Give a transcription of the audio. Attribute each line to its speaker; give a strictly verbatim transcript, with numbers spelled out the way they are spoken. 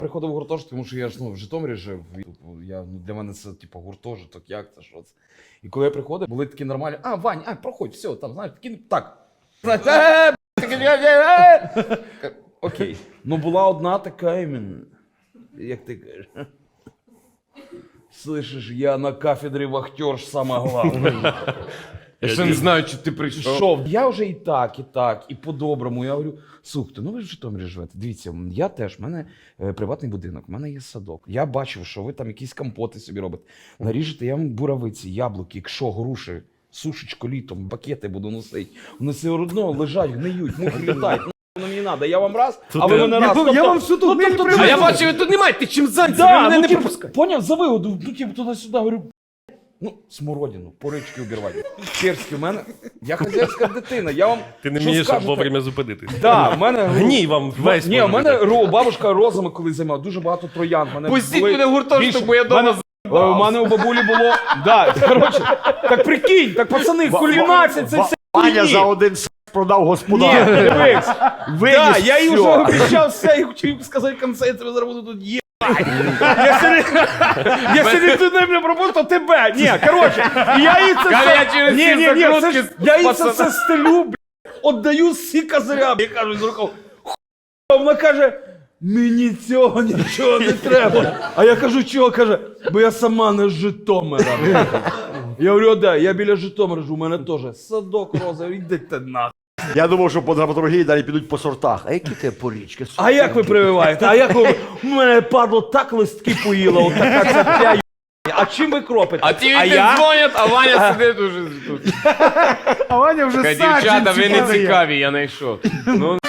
Speaker 1: Приходив в гуртожиток, тому що я ж ну, в Житомирі жив. Я, ну, для мене це типу гуртожиток, як це, що це. І коли я приходив, були такі нормальні, а, Вань, а, проходь, все, там, знаєш, такі, так. Окей. Ну була одна така іменно, як ти кажеш. Слышиш, я на кафедрі вахтерш саме головне. Я ще не знаю, чи ти прийшов. Я вже і так, і так, і по-доброму. Я говорю, слухайте, ну ви ж в Житомирі живете. Дивіться, я теж, в мене е, приватний будинок, в мене є садок. Я бачив, що ви там якісь компоти собі робите. Наріжете я вам буравиці, яблуки, якщо, груші, сушечку літом, бакети буду носити. Вони все одно лежать, гниють, мухи літають. Ну мені треба, я вам раз, а ви мене раз.
Speaker 2: Я вам все тут не
Speaker 3: А я бачу, ви тут немає, ти чим зайнятий, ви
Speaker 1: Да,
Speaker 3: мене
Speaker 1: ну,
Speaker 3: не
Speaker 1: типу,
Speaker 3: пропускаєте.
Speaker 1: поняв, за вигоду, ну типу туди-сюди, говорю, ну, смородину, порички обірвати. Перські, в мене, я хазяйська дитина, я вам,
Speaker 3: Ти не
Speaker 1: що
Speaker 3: вмієш
Speaker 1: скажете?
Speaker 3: вовремя зупинитись.
Speaker 1: Да, в мене...
Speaker 3: Гній вам весь.
Speaker 1: Ні, у
Speaker 3: може
Speaker 1: мене
Speaker 3: бути.
Speaker 1: ро, бабушка розами коли займала, дуже багато троян. Мене
Speaker 4: Пустіть
Speaker 1: були
Speaker 4: мене в гуртожиток,
Speaker 1: більше-
Speaker 4: бо я дома
Speaker 1: мене- У мене у бабулі було, да, коротше, так прикинь, так пацани, кульмінація, це все
Speaker 2: Ваня
Speaker 1: хуйні.
Speaker 2: за один с продав
Speaker 1: Ні,
Speaker 2: господар.
Speaker 1: дивись,
Speaker 2: Виніс
Speaker 1: да, я їй вже
Speaker 2: всьо.
Speaker 1: обіцяв все, і хотів сказати в кінці, я тебе зараз буду тут є. Якщо не, якщо не ти не мене пропустив, то тебе. Ні, коротше, я їй це
Speaker 4: Каже, я
Speaker 1: все...
Speaker 4: через
Speaker 1: Ні,
Speaker 4: ці
Speaker 1: ні, ні, це
Speaker 4: закрутки
Speaker 1: ж- я їй це
Speaker 4: пацана.
Speaker 1: все стелю, блядь, отдаю всі козиря. Я кажу з рукав, хуй, вона каже, мені цього нічого не треба. А я кажу, чого? Каже, бо я сама не з Житомира. Я говорю, да, я біля Житомира живу, у мене теж садок розовий, йдете нахуй.
Speaker 2: Я думав, що по драматургії далі підуть по сортах. А які тебе порічки?
Speaker 1: А як ви прививаєте? А як ви... У мене падло так листки поїло, от така ця. А чим ви кропите?
Speaker 4: А ті
Speaker 1: а
Speaker 4: відти
Speaker 1: я?
Speaker 4: дзвонять, а Ваня сидить уже тут.
Speaker 2: А Ваня вже
Speaker 4: Каже, дівчата, ви не цікаві, я знайшов. Ну,